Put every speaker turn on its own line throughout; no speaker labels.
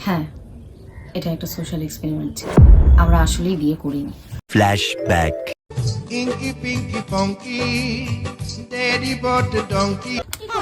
হ্যাঁ, এটা একটা সোশ্যাল এক্সপেরিমেন্ট ছিল। আমরা আসলেই বিয়ে করিনি।
Flashback.
Inky Pinky Funky, Daddy bought the donkey.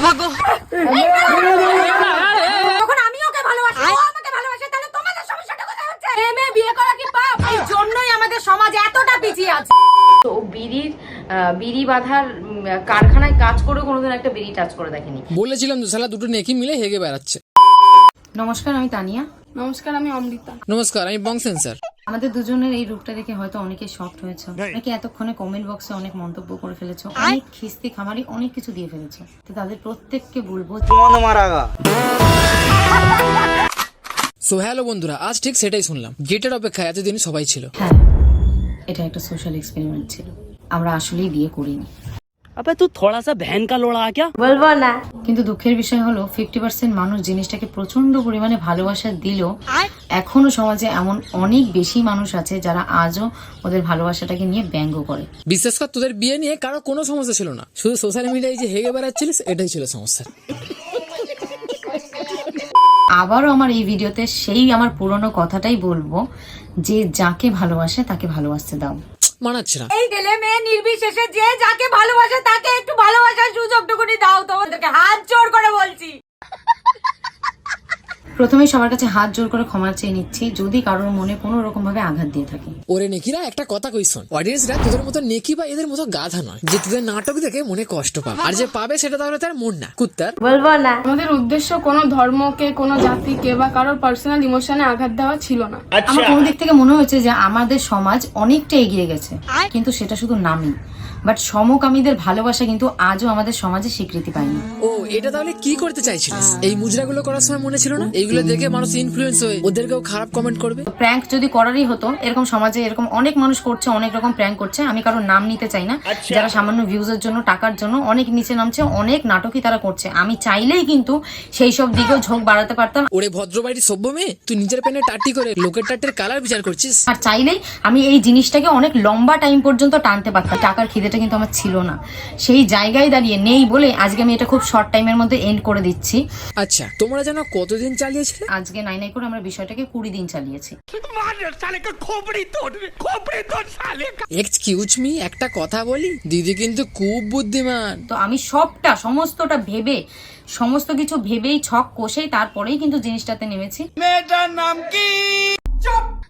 তখন আমি ওকে ভালোবাসি, ও আমাকে ভালোবাসে, তাহলে তোমাদের সমস্যাটা কোথায় হচ্ছে? মেয়ে বিয়ে করা কি পাপ? এই জন্যই আমাদের সমাজ এতটা পিছিয়ে আছে।
তো বিড়ি বাঁধার কারখানায় কাজ করে কোনোদিন একটা বিড়ি টাচ করে দেখেনি।
বলেছিলাম তো শালা দুটো নেকি মিলে হেগে বেড়াচ্ছে।
নমস্কার, আমি তানিয়া।
নমস্কার, আমি অমৃতা।
নমস্কার, আমি বংসেন স্যার।
আমাদের দুজনের এই রূপটা দেখে হয়তো অনেকে শকড হয়েছে, অনেকে এতক্ষণে কমেন্ট বক্সে অনেক মন্তব্য করে ফেলেছো, অনেক খিস্তি খামারি অনেক কিছু দিয়ে ফেলেছো। তো তাদের প্রত্যেককে বলবো,
সো হ্যালো বন্ধুরা, আজ ঠিক সেটাই শুনলাম। গেটের অপেক্ষায় এতদিন সবাই ছিল।
হ্যাঁ, এটা একটা সোশ্যাল এক্সপেরিমেন্ট ছিল। আমরা আসলেই বিয়ে করিনি।
अबे तू थोड़ा सा बहन का लोड़ा आ क्या?
বলবো না।
কিন্তু দুঃখের বিষয় হলো 50% মানুষ জিনিসটাকে প্রচন্ড পরিমাণে ভালোবাসা দিলেও এখনো সমাজে এমন অনেক বেশি মানুষ আছে যারা আজও ওদের ভালোবাসাটাকে নিয়ে ব্যঙ্গ করে।
বিশেষ করে তোদের বিয়ে নিয়ে কারো কোনো সমস্যা ছিল না, শুধু সোশ্যাল মিডিয়ায় যে হেগে বেড়াচ্ছিলিস এটাই ছিল সমস্যা।
আবারও আমার এই ভিডিওতে সেই আমার পুরনো কথাটাই বলবো যে যাকে ভালোবাসে তাকে ভালোবাসতে দাও।
মানাচ্ছে না।
এই ছেলে মেয়ে নির্বিশেষে যে যাকে ভালোবাসে তাকে একটু ভালোবাসার সুযোগটুকুনি দাও। তোমাদেরকে হাত জোর করে বলছি।
প্রথমেই সবার কাছে হাত জোর করে ক্ষমা চেয়ে নিচ্ছি যদি কারোর মনে কোনো রকম ভাবে আঘাত দিয়ে থাকি।
ওরে নেকিরা, একটা কথা কই শোন, অডিয়েন্সরা তোদের মতো নেকি বা এদের মতো গাধা নয় যে তোদের নাটক দেখে মনে কষ্ট পাবে, আর যে পাবে সেটা তাহলে তার মন না কুত্তার।
বলবো না।
আমাদের উদ্দেশ্য কোনো ধর্মকে, কোনো জাতিকে বা কারোর পার্সোনাল ইমোশনে আঘাত দেওয়া ছিল না।
আমার কোনো দিক থেকে মনে হয়েছে যে আমাদের সমাজ অনেকটা এগিয়ে গেছে, কিন্তু সেটা শুধু নামই। বাট সমকামীদের ভালোবাসা কিন্তু আজও আমাদের সমাজে স্বীকৃতি পায়নি।
ও, এটা তাহলে কি করতে চাইছিলিস? এই মুজরাগুলো করার সময় মনে ছিল না এইগুলো দেখে মানুষ ইনফ্লুয়েন্স হয়ে ওদেরকেও খারাপ কমেন্ট করবে?
প্র্যাঙ্ক যদি করারই হতো, এরকম সমাজে এরকম অনেক মানুষ করছে, অনেক রকম প্র্যাঙ্ক করছে। আমি কারোর নাম নিতে চাই না, যারা সামান্য ভিউজের জন্য, টাকার জন্য অনেক নিচে নামছে, অনেক নাটকই তারা করছে। আমি চাইলেই কিন্তু সেই সব দিকেও ঝোঁক বাড়াতে পারতাম।
ওরে ভদ্রবাড়ির সভ্য মেয়ে, তুই নিজের প্যানে টাটি করে লোকের টাটের কালার বিচার করছিস।
আর চাইলেই আমি এই জিনিসটাকে অনেক লম্বা টাইম পর্যন্ত টানতে পারতাম। টাকার খিদেটা কিন্তু আমার ছিল না, সেই জায়গায় দাঁড়িয়ে নেই বলে আজকে আমি এটা খুব শর্ট টাইমের মধ্যে এন্ড করে দিচ্ছি।
আচ্ছা, তোমরা যেন কতদিন চালিয়েছিলে?
আজকে নাই নাই করে আমরা বিষয়টাকে 20 দিন চালিয়েছি।
এক্সকিউজ মি, একটা কথা বলি, দিদি কিন্তু খুব বুদ্ধিমান।
তো আমি সমস্তটা ভেবে, সমস্ত কিছু ভেবেই ছক কষেই তারপরেই কিন্তু জিনিসটাতে নেমেছি।
মেয়েটার নাম কি? চুপ।